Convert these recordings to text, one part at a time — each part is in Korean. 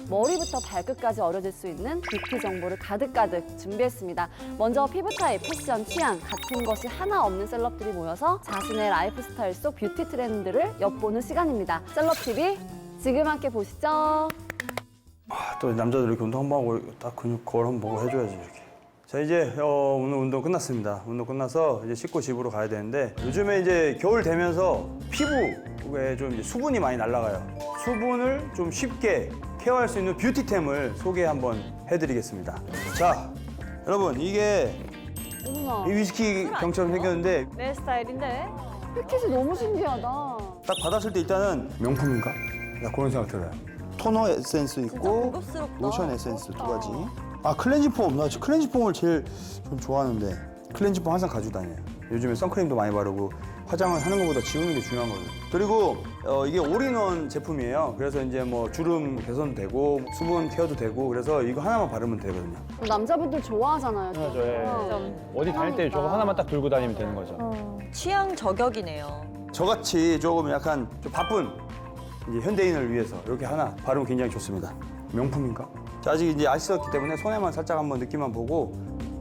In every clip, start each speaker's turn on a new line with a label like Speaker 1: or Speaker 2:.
Speaker 1: 머리부터 발끝까지 어려질 수 있는 뷰티 정보를 가득가득 준비했습니다. 먼저 피부 타입, 패션, 취향 같은 것이 하나 없는 셀럽들이 모여서 자신의 라이프 스타일 속 뷰티 트렌드를 엿보는 시간입니다. 셀럽 TV 지금 함께 보시죠.
Speaker 2: 또 남자들 이렇게 운동 한번 하고 딱 근육 거울 한번 보고 해줘야지 이렇게. 자 이제 오늘 운동 끝났습니다. 운동 끝나서 이제 씻고 집으로 가야 되는데 요즘에 이제 겨울 되면서 피부에 좀 이제 수분이 많이 날아가요. 수분을 좀 쉽게 케어할 수 있는 뷰티템을 소개 한번 해드리겠습니다. 자 여러분 이게
Speaker 1: 어머나,
Speaker 2: 이 위스키 병처럼 생겼는데
Speaker 3: 내 스타일인데.
Speaker 1: 패킷이 너무 신기하다.
Speaker 2: 딱 받았을 때 일단은 명품인가? 나 그런 생각 들어요. 토너 에센스 있고
Speaker 3: 고급스럽다.
Speaker 2: 로션 에센스 두 가지. 아 클렌징 폼, 나 클렌징 폼을 제일 좀 좋아하는데 클렌징 폼 항상 가지고 다녀요. 요즘에 선크림도 많이 바르고 화장을 하는 것보다 지우는 게 중요한 거예요. 그리고 이게 올인원 제품이에요. 그래서 이제 뭐 주름 개선도 되고 수분 케어도 되고 그래서 이거 하나만 바르면 되거든요.
Speaker 1: 남자분들 좋아하잖아요.
Speaker 4: 맞아요. 예.
Speaker 3: 좀
Speaker 4: 어디 다닐 때 저거 하나만 딱 들고 다니면 되는 거죠.
Speaker 3: 취향 저격이네요.
Speaker 2: 저같이 조금 약간 좀 바쁜 이제 현대인을 위해서 이렇게 하나 바르면 굉장히 좋습니다. 명품인가? 자, 아직 이제 안 씻었기 때문에 손에만 살짝 한번 느낌만 보고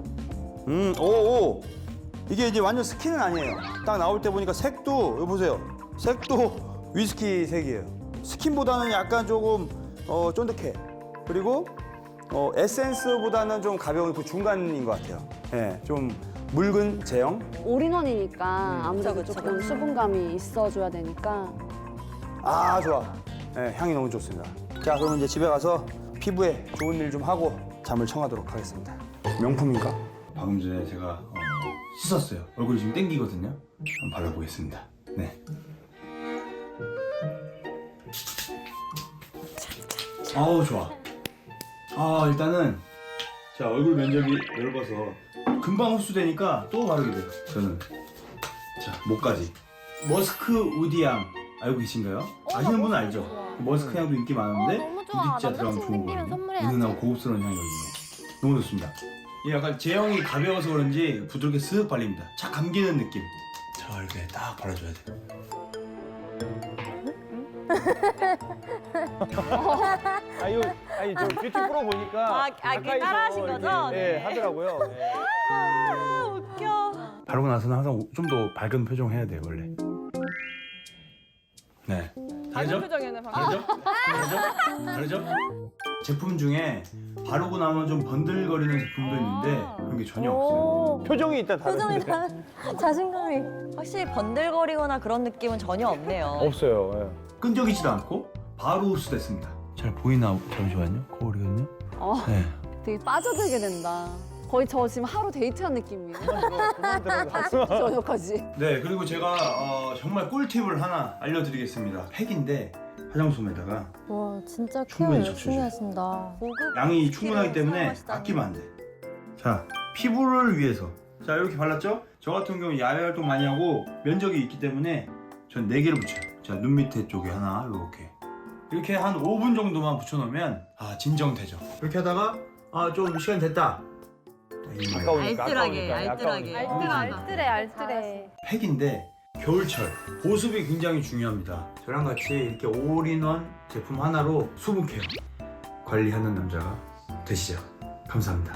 Speaker 2: 오. 이게 이제 완전 스킨은 아니에요. 딱 나올 때 보니까 색도 여기 보세요. 색도 위스키 색이에요. 스킨보다는 약간 조금 쫀득해. 그리고 에센스보다는 좀 가벼운 그 중간인 것 같아요. 예, 좀 묽은 제형.
Speaker 1: 올인원이니까 아무래도
Speaker 3: 그쵸, 그쵸.
Speaker 1: 조금 수분감이 있어줘야 되니까.
Speaker 2: 아 좋아. 네, 향이 너무 좋습니다. 자 그러면 이제 집에 가서 피부에 좋은 일 좀 하고 잠을 청하도록 하겠습니다. 명품인가? 방금 전에 제가 씻었어요. 얼굴이 지금 땡기거든요. 한번 발라보겠습니다. 네. 아우 좋아. 아 일단은 자 얼굴 면적이 넓어서 금방 흡수되니까 또 바르게 돼요. 저는 자 목까지 머스크 우디향 알고 계신가요? 아시는 분은 알죠? 머스크 향도 인기 많은데
Speaker 5: 너무 좋아.
Speaker 2: 우디자 들어가면
Speaker 5: 남자친구
Speaker 2: 좋은
Speaker 5: 생기면
Speaker 2: 거거든요.
Speaker 5: 선물해야지.
Speaker 2: 은은하고 고급스러운 향이거든요. 너무 좋습니다. 이게 약간 제형이 가벼워서 그런지 부드럽게 쓱 발립니다. 착 감기는 느낌. 자 이렇게 딱 발라줘야 돼.
Speaker 4: 아니 저 뷰티 프로 보니까
Speaker 3: 그게 따라하신 거죠?
Speaker 4: 예,
Speaker 3: 네.
Speaker 4: 하더라고요. 예.
Speaker 3: 아, 웃겨.
Speaker 2: 바르고 나서는 항상 좀 더 밝은 표정 해야 돼요 원래. 네. 다르죠?
Speaker 3: 표정이네 방금.
Speaker 2: 다르죠? 다르죠? 다르죠? 제품 중에 바르고 나면 좀 번들거리는 제품도 있는데 그런 게 전혀 없어요.
Speaker 4: 표정이 일단 다른데
Speaker 5: 자신감이.
Speaker 3: 확실히 번들거리거나 그런 느낌은 전혀 없네요.
Speaker 4: 없어요. 예.
Speaker 2: 끈적이지도 않고 바로 흡수됐습니다. 잘 보이나? 잠시만요. 거울이거든요. 네.
Speaker 1: 되게 빠져들게 된다. 거의 저 지금 하루 데이트한 느낌이에요.
Speaker 4: 그만
Speaker 1: 저녁까지.
Speaker 2: 네, 그리고 제가 정말 꿀팁을 하나 알려드리겠습니다. 팩인데 화장솜에다가
Speaker 5: 와 진짜 케어
Speaker 2: 충분히
Speaker 5: 열심히
Speaker 2: 적셔줘요.
Speaker 5: 하신다.
Speaker 3: 고급
Speaker 2: 양이
Speaker 3: 스킬을
Speaker 2: 충분하기 때문에
Speaker 3: 사용하시다니.
Speaker 2: 아끼면 안 돼. 자, 피부를 위해서. 자, 이렇게 발랐죠? 저 같은 경우 야외 활동 많이 하고 면적이 있기 때문에 전 4개를 붙여요. 자, 눈 밑에 쪽에 하나, 이렇게. 이렇게 한 5분 정도만 붙여놓으면 진정되죠. 이렇게 하다가 좀 시간 됐다.
Speaker 4: 아까우니까,
Speaker 3: 알뜰하게,
Speaker 4: 아까우니까,
Speaker 3: 알뜰하게.
Speaker 5: 알뜰해 알뜰해.
Speaker 2: 팩인데 겨울철 보습이 굉장히 중요합니다. 저랑 같이 이렇게 올인원 제품 하나로 수분 케어 관리하는 남자가 되시죠. 감사합니다.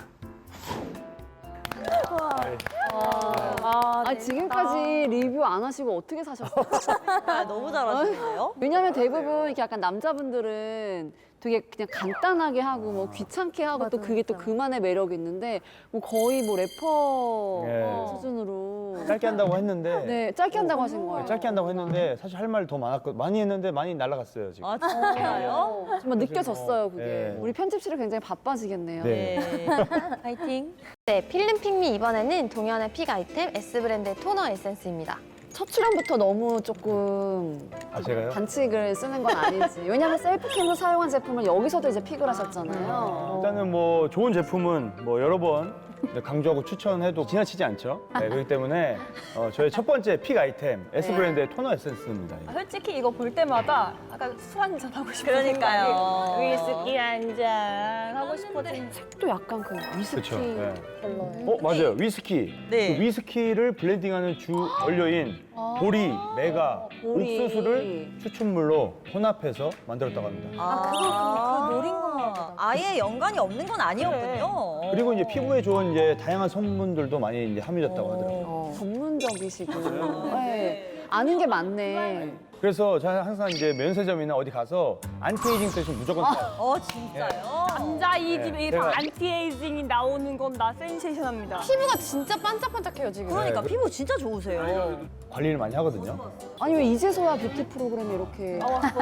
Speaker 1: 아, 지금까지 리뷰 안 하시고 어떻게 사셨어요?
Speaker 3: 너무 잘하시는데요?
Speaker 1: 왜냐면 대부분 이렇게 약간 남자분들은 되게 그냥 간단하게 하고 뭐 귀찮게 하고 또
Speaker 5: 맞아,
Speaker 1: 그게 또
Speaker 5: 맞아.
Speaker 1: 그만의 매력이 있는데 뭐 거의 뭐 래퍼
Speaker 4: 예.
Speaker 1: 수준으로
Speaker 4: 짧게 한다고 했는데
Speaker 1: 네 짧게 한다고 하신 거예요.
Speaker 4: 짧게 한다고 했는데 사실 할 말 더 많이 했는데 많이 날아갔어요 지금.
Speaker 3: 아 진짜요?
Speaker 1: 정말 느껴졌어요 그게.
Speaker 4: 예.
Speaker 1: 우리 편집실이 굉장히 바빠지겠네요.
Speaker 4: 네.
Speaker 3: 네. 파이팅.
Speaker 5: 네 필름 핑미 이번에는 동현의 픽 아이템 S 브랜드의 토너 에센스입니다.
Speaker 1: 첫 출연부터 너무 조금
Speaker 4: 아 제가요?
Speaker 1: 반칙을 쓰는 건 아니지. 왜냐면 셀프캠으로 사용한 제품을 여기서도 이제 픽을 하셨잖아요.
Speaker 4: 일단은 뭐 좋은 제품은 뭐 여러 번 강조하고 추천해도 지나치지 않죠. 네, 그렇기 때문에 저의 첫 번째 픽 아이템 S 브랜드의 토너 에센스입니다. 이게.
Speaker 6: 솔직히 이거 볼 때마다 약간 술 한잔 하고 싶은
Speaker 3: 그러니까요.
Speaker 6: 위스키 한잔 하고 싶어진
Speaker 1: 또 약간 그 위스키
Speaker 4: 그쵸, 네.
Speaker 5: 별로.
Speaker 4: 맞아요. 위스키.
Speaker 3: 네.
Speaker 4: 그 위스키를 블렌딩하는 주 원료인 보리, 메가,
Speaker 1: 보리.
Speaker 4: 옥수수를 추출물로 혼합해서 만들었다고 합니다.
Speaker 3: 아,
Speaker 6: 그 노린 건가 보다.
Speaker 3: 아예 연관이 없는 건 아니었군요.
Speaker 4: 그리고 이제 피부에 좋은 이제 다양한 성분들도 많이 이제 함유됐다고 하더라고요.
Speaker 1: 전문적이시고. 네. 아는 게 많네.
Speaker 4: 그래서 저는 항상 이제 면세점이나 어디 가서 안티에이징 세션 무조건 사요.
Speaker 3: 진짜요?
Speaker 6: 남자 이 집에
Speaker 4: 네,
Speaker 6: 다
Speaker 4: 제가-
Speaker 6: 안티에이징이 나오는 건 나 센세이션합니다.
Speaker 5: 피부가 진짜 반짝반짝해요, 지금.
Speaker 3: 그러니까
Speaker 4: 네.
Speaker 3: 피부 진짜 좋으세요.
Speaker 4: 관리를 많이 하거든요.
Speaker 1: 아니 왜 이제서야 뷰티 프로그램이 이렇게.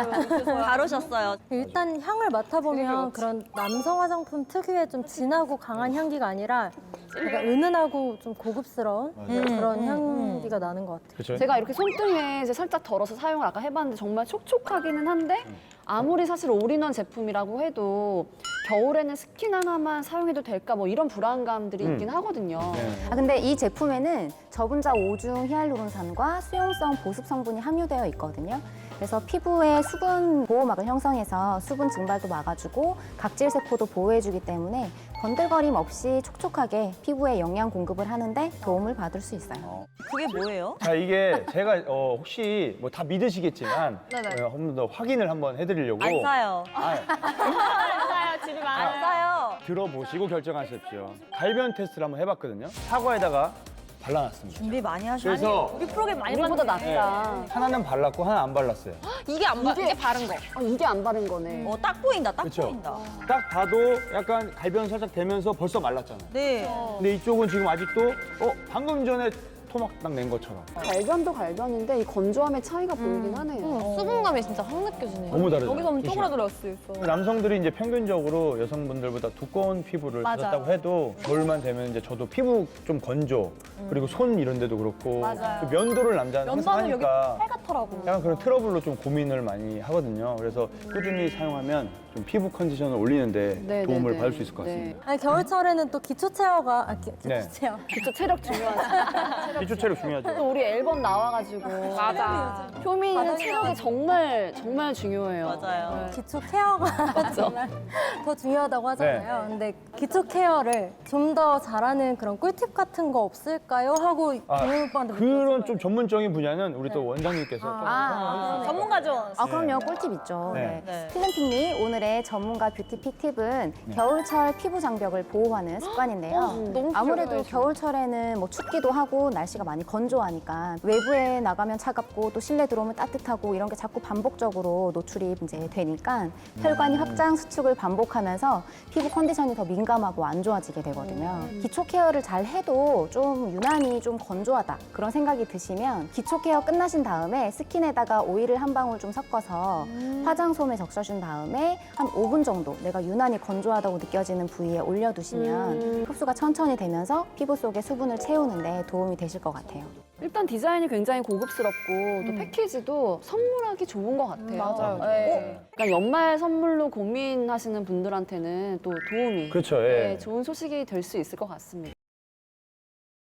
Speaker 3: 다루셨어요.
Speaker 7: 일단 향을 맡아보면 그런 남성 화장품 특유의 좀 진하고 강한 향기가 아니라 약간 은은하고 좀 고급스러운 그런 향기가 나는 것 같아요.
Speaker 4: 그렇죠?
Speaker 1: 제가 이렇게 손등에 이제 살짝 덜어서 사용을 아까 해봤는데 정말 촉촉하기는 한데 아무리 사실 올인원 제품이라고 해도 겨울에는 스킨 하나만 사용해도 될까 뭐 이런 불안감들이 있긴 하거든요.
Speaker 4: 네.
Speaker 8: 근데 이 제품에는 저분자 5중 히알루론산과 수용성 보습 성분이 함유되어 있거든요. 그래서 피부에 수분 보호막을 형성해서 수분 증발도 막아주고 각질 세포도 보호해주기 때문에 번들거림 없이 촉촉하게 피부에 영양 공급을 하는데 도움을 받을 수 있어요.
Speaker 3: 그게 뭐예요?
Speaker 4: 자, 이게 제가 혹시 뭐 다 믿으시겠지만 한 번 더 확인을 한번 해드리려고
Speaker 3: 안 사요.
Speaker 4: 아,
Speaker 6: 사요, 집에
Speaker 3: 안
Speaker 6: 많아요.
Speaker 3: 사요.
Speaker 4: 들어보시고 결정하십시오. 갈변 테스트를 한번 해봤거든요. 사과에다가 발라놨습니다.
Speaker 3: 준비 많이 하셨어요.
Speaker 4: 그래서
Speaker 6: 우리 프로그램 많이
Speaker 1: 우리보다
Speaker 6: 봤는데.
Speaker 1: 낫다.
Speaker 4: 하나는 발랐고 하나 안 발랐어요.
Speaker 5: 이게 안 바, 이게 바른 거.
Speaker 1: 이게 안 바른 거네.
Speaker 3: 딱 보인다, 딱
Speaker 4: 그쵸?
Speaker 3: 보인다.
Speaker 4: 딱 봐도 약간 갈변 살짝 되면서 벌써 말랐잖아요.
Speaker 3: 네.
Speaker 4: 근데 이쪽은 지금 아직도 방금 전에 토막 딱 낸 것처럼
Speaker 1: 갈변도 갈변인데 이 건조함의 차이가 보이긴 하네요.
Speaker 5: 수분감이 진짜 확 느껴지네요.
Speaker 4: 너무 다르죠.
Speaker 6: 여기서 쪼그라들었을 수 있어.
Speaker 4: 남성들이 이제 평균적으로 여성분들보다 두꺼운 피부를 가졌다고 해도 겨울만 되면 이제 저도 피부 좀 건조 그리고 손 이런 데도 그렇고
Speaker 6: 맞아요.
Speaker 4: 그 면도를 남자는 항상
Speaker 6: 면도는 여기
Speaker 4: 하니까
Speaker 6: 빨갛더라고.
Speaker 4: 약간 그런 트러블로 좀 고민을 많이 하거든요. 그래서 꾸준히 사용하면 좀 피부 컨디션을 올리는데
Speaker 1: 네,
Speaker 4: 도움을
Speaker 1: 네,
Speaker 4: 받을
Speaker 1: 네.
Speaker 4: 수 있을 것 같습니다.
Speaker 1: 네.
Speaker 7: 아니, 겨울철에는 또 기초 체어가 기초
Speaker 4: 네.
Speaker 7: 체어.
Speaker 1: 기초 체력 중요하지.
Speaker 4: 기초 체력 중요하죠.
Speaker 1: 또 우리 앨범 나와가지고
Speaker 5: 맞아.
Speaker 1: 효민이는 체력이 정말 중요해요.
Speaker 3: 맞아요.
Speaker 1: 네.
Speaker 7: 기초 케어가 정말 더 중요하다고 하잖아요. 근데 기초 케어를 좀 더 잘하는 그런 꿀팁 같은 거 없을까요? 하고 동현 오빠한테
Speaker 4: 그런 좀 전문적인 분야는 우리 또 원장님께서 좀
Speaker 6: 전문가죠.
Speaker 8: 아, 그럼요. 꿀팁 있죠.
Speaker 4: 네.
Speaker 3: 네.
Speaker 8: 필름픽미 오늘의 전문가 뷰티픽 팁은 겨울철 피부 장벽을 보호하는 습관인데요.
Speaker 5: 너무
Speaker 8: 아무래도
Speaker 5: 필요해요,
Speaker 8: 겨울철에는 뭐 춥기도 하고 날씨가 많이 건조하니까 외부에 나가면 차갑고 또 실내 들어오면 따뜻하고 이런 게 자꾸 반복적으로 노출이 이제 되니까 혈관이 확장 수축을 반복하면서 피부 컨디션이 더 민감하고 안 좋아지게 되거든요. 기초 케어를 잘 해도 좀 유난히 좀 건조하다 그런 생각이 드시면 기초 케어 끝나신 다음에 스킨에다가 오일을 한 방울 좀 섞어서 화장솜에 적셔준 다음에 한 5분 정도 내가 유난히 건조하다고 느껴지는 부위에 올려두시면 흡수가 천천히 되면서 피부 속에 수분을 채우는데 도움이 되실 것 같아요.
Speaker 1: 일단 디자인이 굉장히 고급스럽고 또 패키지도 선물하기 좋은 것 같아요.
Speaker 5: 맞아요.
Speaker 1: 네. 그러니까 연말 선물로 고민하시는 분들한테는 또 도움이
Speaker 4: 그렇죠. 예.
Speaker 1: 네, 좋은 소식이 될 수 있을 것 같습니다.